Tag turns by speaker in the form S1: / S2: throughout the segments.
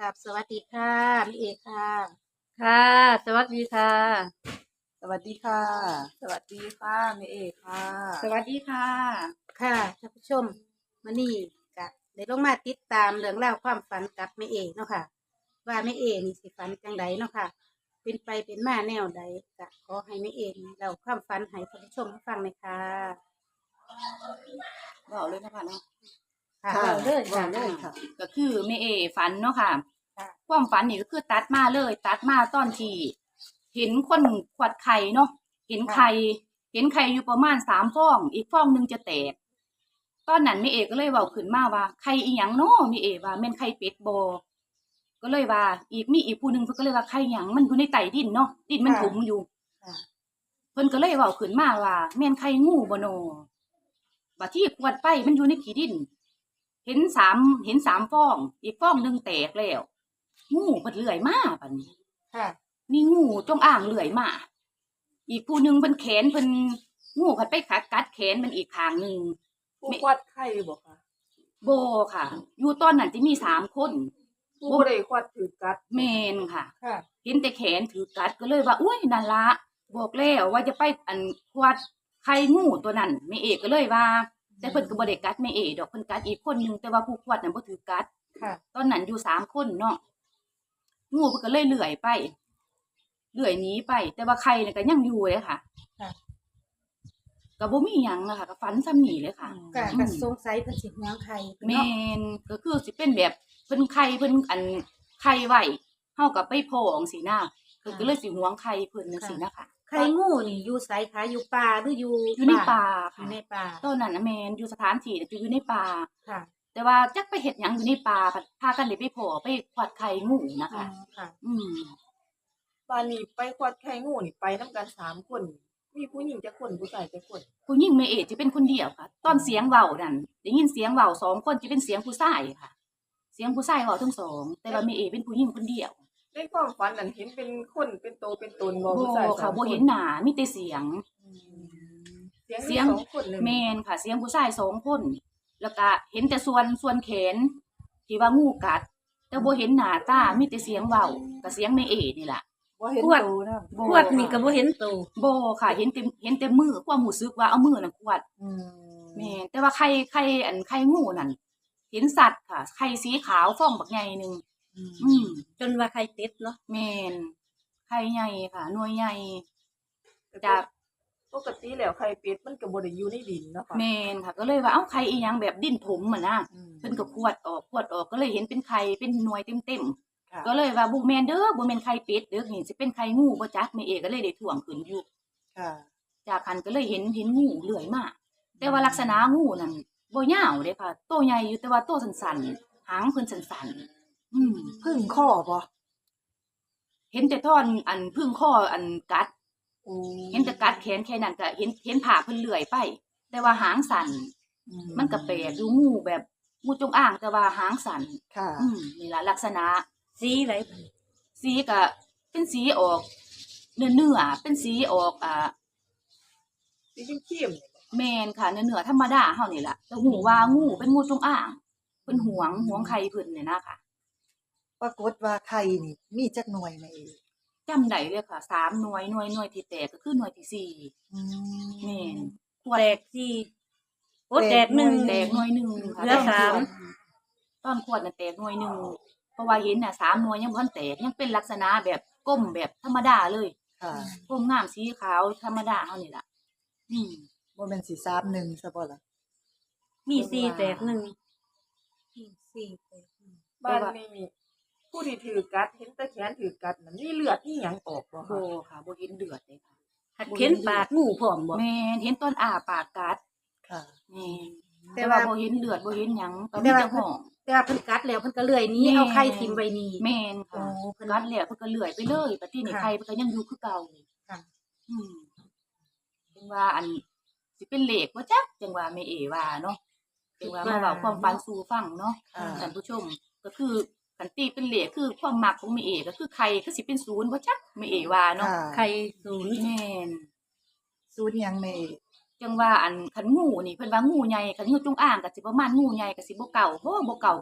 S1: ครับสวัสดีค่ะพี่เอกค่ะ
S2: ค่ะสวัสดีค่ะ
S3: สวัสดีค่ะ สวัสดีค่ะแม่เอกค่ะ
S2: สวัสดีค่ะ
S1: ค่ะท่านผู้ชมมื้อนี้ก็ได้ลงมาติดตามเรื่องราวความฝันกับแม่เอกเนาะค่ะว่าแม่เอกนี่สิฝันจังไดเนาะค่ะเป็นไปเป็นมาแนวใดก็ขอให้แม่เอกเล่าความฝันให้ท่านผู้ชมฟังหน่อยค่ะ
S2: บอกเลยนะคะเนาะ
S1: ค่ะ
S3: ค่ะ
S1: เล่าเลย
S3: ว่า
S1: ค่ะ
S3: เลยค่ะ
S2: ก็คือแม่เอฝันเนาะค่ะ
S1: ค่ะ
S2: ความฝันนี่ก็คือตัดมาเลย ตัดมาตอนที่เห็นคนขวดไข่เนาะเห็นไข่อยู่ประมาณ3 ฟองอีกฟองหนึงจะแตกตอนนั้นแม่เอก็เลยเว้าขึ้นมาว่าไข่อีหยังเนาะแม่เอว่าแม่นไข่เป็ดบ่ก็เลยว่ามีอีกผู้หนึงเพิ่นก็เลยว่าไข่หยังมันอยู่ในใต้ดินเนาะดินมันถมอยู่
S1: ค่ะ
S2: เพิ่นก็เลยเว้าขึ้นมาว่าแม่นไข่งูบ่น้อบัดที่ขวดไปมันอยู่ในขี้ดิน เห็นสามฟอง อีกฟองหนึงแตกแล้วงูเพิ่นเลื้อยมาบัดนี้
S1: ค่ะ
S2: มีงูจงอางเลื้อยมาอีกผู้หนึงเพิ่นแขนเพิ่นงูเพิ่นไปกัดแขนมันอีกข้างหนึง
S3: ผู้ควัดไข่บอกค่ะ
S2: บ่ค่ะ อยู่ตอนนั้นสิมี3 คน
S3: ผู้บ่ได้ควัดถือกัด
S2: แม่นค่ะ
S1: ค่ะ
S2: เห็นแต่แขนถือกัดก็เลยว่าอุ้ยนั่นละบอกแล้วว่าจะไปควัดไข่งูตัวนั้นแม่เอกก็เลยว่า แต่เพิ่นก็บ่ได้กัดแม่เอกดอกเพิ่นกัดอีกคนนึงแต่ว่าผู้ควัดน่ะบ่ถือกัด
S1: ค่ะ
S2: ตอนนั้นอยู่3 คนเนาะงูเพิ่นก็เลยเลื่อยไปเลื่อยหนีไป แต่ว่าไข่น่ะก็ยังอยู่เลยค่ะ
S1: ค่ะ
S2: ก็บ่มีหยังอะค่ะก็ฝันซ้ำนี้เลยค่ะ
S1: ก็สงสัยเพิ่นสิหวงไข่เพิ่น
S2: แม่
S1: เนาะ
S2: นก็คือสิเป็นแบบเพิ่นไข่เพิ่นไข่ไว้เฮาก็ไปโพจังซี่นะเพิ่นก็เลยสิหวงไข่เพิ่นจังซี่นะคะ
S1: ไข่งูนี่อยู่ไสคะอยู่ป่าหรืออยู่
S2: อยู่ในป่า
S1: อ
S2: ค่ะ
S1: ยู่ในป่า
S2: ตอนนั้นน่ะแม่นอยู่สถานที่น่ะจะอยู่ในป่า
S1: ค่ะ
S2: แต่ว่าจักไปเฮ็ดหยังอยู่ในป่าพากันได้ไปโผไปขวัดไข่งูนะ
S1: อ๋อ
S2: คะ
S1: ค่ะ
S2: อืม
S3: บ้านนี้ไปควัดไข่งูนี่ไปนํกัน3 คน มีผู้หญิงจักคนผู้ชายจักคน
S2: ผู้หญิงแม่เอกจะเป็นคนเดียวค่ะ ตอนเสียงเว้านั่นได้ยินเสียงเว้า2 คนจะเป็นเสียงผู้ชายค่ะ เสียงผู้ชายเว้าทั้งสองแต่ว่าแม่เอกเป็นผู้หญิงคนเดียว
S3: ในความฝันนั้นเห็นเป็นคนเป็นโตเป็นตนบ่
S2: บ่
S3: ผู้ชาย
S2: ค่ะ
S3: 2
S2: บ่เห็นหน้ามีแต่เสียง
S3: อืมเสียง
S2: เสี
S3: มี
S2: ยง
S3: 2 คนเลย
S2: แม่นค่ะ เสียงผู้ชาย2 คน แล้วก็เห็นแต่ส่วนแขนที่ว่างูกัด แต่บ่เห็นหน้าตามีแต่เสียงเว้ากับเสียงแม่เอกนี่ล่ะ
S3: บ่เห็น
S1: ขวด
S3: โตนะ
S2: บ่
S1: ขวดนี่ก็บ่เห็นโต
S2: บ่ค่ะเห็นแต่มือความรู้สึกว่าเอามือน่ะขวด
S3: อืม
S2: แม่นแต่ว่าไข่งูนั่นเห็นสัตว์ค่ะไข่สีขาวฟองบักใหญ่หนึง
S3: อืม
S2: อืม
S1: จนว่าไข่เป็ดเนาะ
S2: แม่นไข่ใหญ่ค่ะหน่วยใหญ่จาก
S3: ปกติแล้วไข่เป็ดมันก็บ่ได้อยู่ในดินเนาะค่ะ
S2: แม่นค่ะ ก็เลยว่าเอ้าไข่อีหยังแบบดิ้นถมอะนะ
S3: อืม
S2: เพิ่นก็ขวดออกก็เลยเห็นเป็นไข่เป็นหน่วยเต็ม
S3: ค่ะ
S2: ๆก็เลยว่าบ่แม่นเด้อบ่แม่นไข่เป็ดเด้อนี่สิเป็นไข่งูบ่จักแม่เอกก็เลยได้ถ่วงขึ้นอยู่
S3: ค่ะ
S2: จากหันก็เลยเห็นงูเลื้อยมาแต่ว่าลักษณะงูนั่นบ่ยาวเด้ค่ะโตใหญ่อยู่แต่ว่าโตสั้นๆหางเพิ่นสั้นๆอืม
S3: พึ่งข้อบ่
S2: เห็นแต่ท่อนพึ่งข้อกัด
S3: โอ้
S2: เห็นแต่กัดแขนแค่นั้นก็เห็นผ่าเพิ่นเลื่อยไป แต่ว่าหางสั่นมันก็แปลกอยู่งูแบบงูจงอางแต่ว่าหางสั่น
S3: ค่ะ
S2: นี่ล่ะลักษณะ
S1: สีไหล
S2: สีก็เป็นสีออกเนื้อๆเป็นสีออก
S3: สีเข้มๆนี่บ่
S2: แม่นค่ะเนื้อๆธรรมดาเฮานี่ล่ะแต่หูว่างูเป็นงูจงอางเพิ่นหวงไข่เพิ่นเนี่ยนะคะ
S4: ปรากฏว่าไข่นี่มีจักหน่วยแม่เอก
S2: จำได้เลยค่ะ3หน่วยที่แตกก็คือหน่วยที่4
S4: อืม
S2: แม่น
S1: แตกสี่โอ้แตกหนึ่ง
S2: แตกหน่วยหนึ่งค่ะ
S1: เหลือสาม
S2: ตอนขวดน่ะแตกหน่วยหนึ่งเพราะว่าเห็นน่ะ3หน่วยยังบ่ทันแตกยังเป็นลักษณะแบบก้มแบบธรรมดาเลย
S4: ค่ะ
S2: ก้มงามสีขาวธรรมดาเฮานี่ล่ะอืม
S4: บ่แม่นสิ31ซะบ่ล่ะ
S1: มีสี่แตกหนึ่งสี่แตกหนึ่ง
S3: บ้านนี้ผู้ที่ถือกัดเห็นแต่แขนถือกัดน่ะมีเลือดอีหยังออกบ่
S2: บ่
S3: คะ
S2: ค่ะบ่เห็นเดือดเลยค่ะ
S1: หัดเข็นปากงูพร้อมบ่
S2: แม่นเห็นต้นอ้าปากกัด
S4: ค่ะ
S2: แม่น
S1: แต่
S2: แต่
S1: ว่า
S2: ว่าบ่เห็นเลือดบ่เห็นหยังก็
S1: แต่
S2: มี
S1: ว่า
S2: แต่ห้อง
S1: แต่ว่าเพิ่นกัดแล้วเพิ่นก็เลื่อยหนี้
S2: แม่
S1: เอาไข่ทิ่มไว้นี่
S2: แม่นค่ะ
S1: โอ้เพิ่น
S2: กัดแล้วเพิ่นก็เลื่อยไปเลยบัดนี้นี่
S1: ค่ะ
S2: ไข่เพิ่นก็ยังอยู่คือเก่า
S1: ค่ะ
S2: อืมเป็นว่าสิเป็นเลขบ่จักจังว่าแม่เอว่าเนาะจังว่ามาเว้าความฝันสู่ฟังเนาะ
S4: ค่ะ
S2: ท่านผู้ชมก็คือคันตีเป็นเลขคือความมักของแม่เอก็คือไข่คือสิเป็น0บ่จักแม่เอว่าเนาะ
S4: ค่ะ
S1: ไข่ศูนย์
S2: แม่น
S4: สูตรหยังแม่เอก
S2: จังว่าคันงูนี่เพิ่นว่างูใหญ่คันงูจงอางก็สิประมาณงูใหญ่ก็สิบ่เก่าบ่เก่ากะ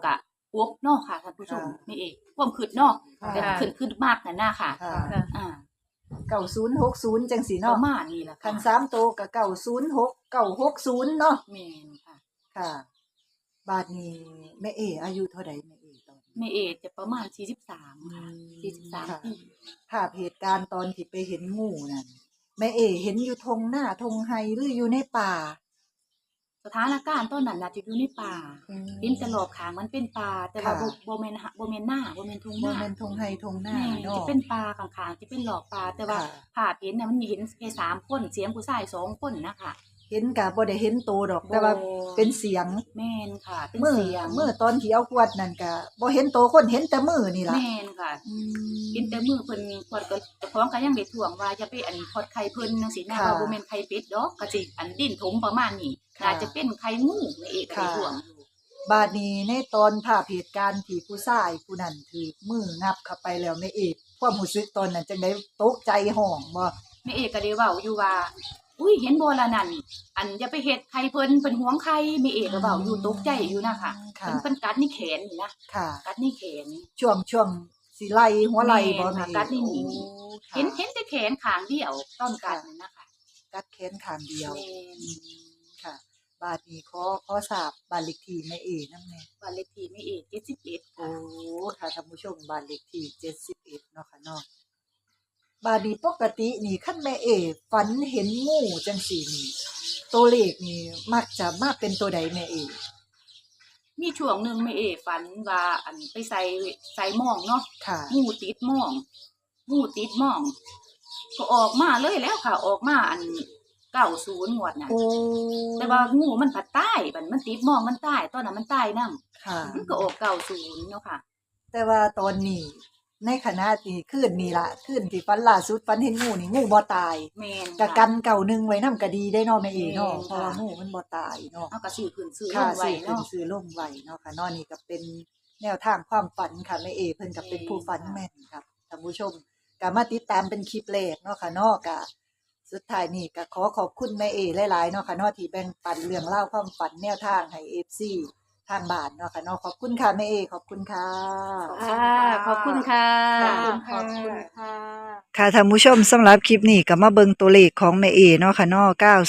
S2: กบเนาะค่ะท่านผู้ชม
S4: ค่ะ
S2: แม่เอกความคิดเนาะ
S4: ค่ะ
S2: แต่ขึ้นมากนั่นน่ะค่ะ
S4: ค่ะ
S1: ค่ะ
S2: อ่า
S4: 9060จังซี่
S2: ป
S4: เนาะ
S2: ระมาณนี้ล่ะ
S4: คั
S2: ค่ะ
S4: น3โตวก็906 960เนาะ
S2: แม่นค่ะ
S4: ค่ะ บาดนี้แม่เออายุเท่าใดแม่เอตอนนี้
S2: แม่เอกจะประมาณ43ค่ะ
S4: ค่ะ
S2: 43ปี
S4: ภาพเหตุการณ์ตอนที่ไปเห็นงูนั่นแม่เอเห็นอยู่ทงหน้าทงไฮหรืออยู่ในป่า
S2: สถานการณ์ตอนนั้นน่ะจะอยู่ในป่าเห็นแต่รอบข้างมันเป็นป่าแต่ว่า
S4: ค่ะ
S2: บ่แม่นบ่แม่นหน้าบ่แม่นทุ่งห
S4: บ่
S2: น้า
S4: แม่นทงไฮทงหน้า
S2: แม่
S4: เนาะ
S2: จะเป็นป่าข้างๆจะเป็นหลอกป่าแต่ว่า
S4: ค่ะ
S2: ภาพเห็นน่ะมันเห็นแค่3คนเสียงผู้ชาย2คนนะคะ
S4: เห็นก็บ่ได้เห็นโตดอก แต่ว่าเป็นเสียง
S2: แม่นค่ะ เป็น
S4: มือ
S2: เสียง
S4: มือตอนที่เอาขวดนั่นก็บ่เห็นโตคนเห็นแต่มือนี่ล่ะ
S2: แม่นค่ะ
S4: อืม
S2: เห็นแต่มือเพิ่นขวดก็เจ้าของก็ยังได้ถ่วงว่าอย่าไปอันพอดไข่เพิ่นจังซี่นะ
S4: ค่ะ
S2: ว่าบ่แม่นไข่เป็ดดอกก็สิอันดิ้นถมประมาณนี้
S4: ค่ะ
S2: น่าจะเป็นไข่งูนี่เองก็ได้
S4: ค่ะ
S2: ถ่วงอยู่
S4: บาดนี้ในตอนภาพเหตุการณ์ที่ผู้ชายผู้นั้นถือมืองับเข้าไปแล้วแม่เอกความรู้สึกตอนนั้นจังได๋ตกใจห้องบ่
S2: แม่เอกก็ได้เว้าอยู่ว่าอุ้ยเห็นบ่ล่ะนั่นอันอย่าไปเฮ็ดไข่เพิ่นหวงไข่แม่เอกก็เว้าอยู่ตกใจอยู่นะคะ
S4: ค่ะ
S2: เพิ่นกัดนี่แขนนี่นะ
S4: ค่ะ
S2: กัดนี่แขน
S4: ช่วงสิไล่หัวไหล่บ่
S2: แม่น
S4: แม่
S2: ค่ะ
S4: เอก
S2: กัดนี่หนี
S4: โอ้ค่ะ
S2: เห็นแต่แขนข้างเดียวตอนกัดนั่นนะคะ
S4: กัดแขนข้างเดียว
S2: แม่น
S4: ค่ะ บาดนี้ขอทราบบ้านเลขที่แม่เอนำแน่
S2: บ้านเลขที่แม่เอก71
S4: โอ้
S2: ค่ะ
S4: ค่ะท่านผู้ชมบ้านเลขที่71เนาะค่ะเนาะบาดนี้ปกตินี่คันแม่เอฝันเห็นงูจังซี่นี่ตัวเลขนี่มักจะมาเป็นตัวใดแม่เอ
S2: มีช่วงหนึงแม่เอกฝันว่าอันไปใส่หม้องเนาะ
S4: ค่ะ
S2: งูติดหม้องก็ออกมาเลยแล้วค่ะ ออกมาอัน90งวดน่ะ
S4: โอ้
S2: แต่ว่างูมันผัดตายบัดมันติดหม้องมันตายตอนนั้นมันตายนำ
S4: ค่ะ
S2: มันก็ออก90เนาะค่ะ
S4: แต่ว่าตอนนี้ในขณะที่คืนนี้ล่ะคืนที่ฝันล่าสุดฝันเห็นงูนี่งูบ่ตาย
S2: แม่น
S4: กะกันเก่าหนึงไว้นำก็ดีได้เนาะแม่เอเนาะ
S2: แม่น
S4: เพราะว่า
S2: ค่ะ
S4: งูมันบ่ตายเนาะ
S2: เอาก็ซื้อขึ้นซื้อล
S4: ค่ะ
S2: งไว้
S4: ซื้อขึ้น
S2: เนาะ
S4: ซื้อลงไว้เนาะค่ะเนาะนี่ก็เป็นแนวทางความฝันค่ะแม่เอเพิ่นก็เป็นผู้ฝันแม่นครับท่านผู้ชมก็มาติดตามเป็นคลิปแรกเนาะค่ะเนาะก็สุดท้ายนี่ก็ขอขอบคุณแม่เอหลายๆเนาะค่ะเนาะที่แบ่งปันเรื่องราวความฝันแนวทางให้ FC ทางบ้านเนาะค่ะเนาะขอบคุณค่ะแม่เอขอบคุณค่ะ
S1: ขอบคุณค่ะ
S4: ขอบคุณ
S1: ข
S4: ค่ะ
S1: อบคุณค่ะ
S4: ค่ะท่านผู้ชมสำหรับคลิปนี้ก็มาเบิ่งตัวเลขของแม่เอเนาะค่ะเนาะ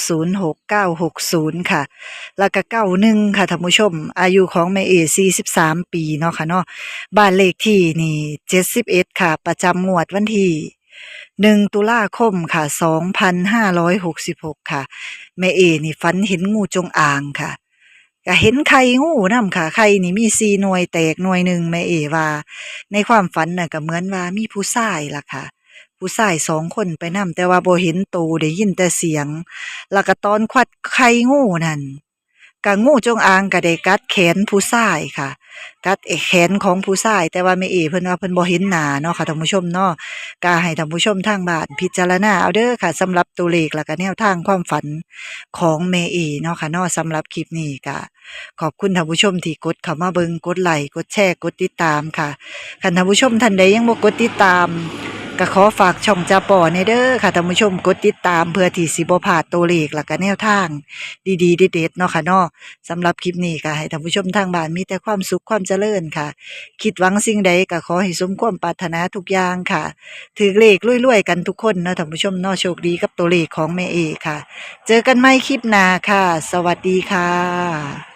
S4: 906960 ค่ะ แล้วก็91ค่ะท่านผู้ชม อายุของแม่เอ43 ปีเนาะค่ะเนาะบ้านเลขที่นี่71ค่ะ ประจำงวดวันที่1ตุลาคมค่ะ2566 ค่ะ แม่เอนี่ฝันเห็นงูจงอางค่ะ ก็เห็นไข่งูนำค่ะไข่นี่มี4หน่วยแตกหน่วยหนึ่งแม่เอว่า ในความฝันน่ะก็เหมือนว่ามีผู้ชายล่ะค่ะ ผู้ชาย2คนไปนำแต่ว่าบ่เห็นโตวได้ยินแต่เสียง แล้วก็ตอนควัดไข่งูนั่นก็งูจงอางก็ได้กัดแขนผู้ชายค่ะ กัดแขนของผู้ชาย แต่ว่าแม่เอเพิ่นว่าเพิ่นบ่เห็นหน้าเนาะค่ะท่านผู้ชมเนาะก็ให้ท่านผู้ชมทางบ้านพิจารณาเอาเด้อค่ะสำหรับตัวเลขแล้วก็แนวทางความฝันของแม่เอเนาะค่ะเนาะสำหรับคลิปนี้ก็ขอบคุณท่านผู้ชมที่กดเข้ามาเบิ่งกดไลค์กดแชร์กดติดตามค่ะคันท่านผู้ชมท่านใดยังบ่กดติดตามก็ขอฝากช่องจาป่อในเด้อค่ะท่านผู้ชมกดติดตามเพื่อที่สิบ่พลาดตัวเลขแล้วก็แนวทางดีๆเด็ดๆเนาะค่ะเนาะสำหรับคลิปนี้ก็ให้ท่านผู้ชมทางบ้านมีแต่ความสุขความเจริญค่ะ คิดหวังสิ่งใดก็ขอให้สมความปรารถนาทุกอย่างค่ะถือเลขรวยๆกันทุกคนเนาะท่านผู้ชมเนาะโชคดีกับตัวเลขของแม่เอค่ะ เจอกันใหม่คลิปหน้าค่ะ สวัสดีค่ะ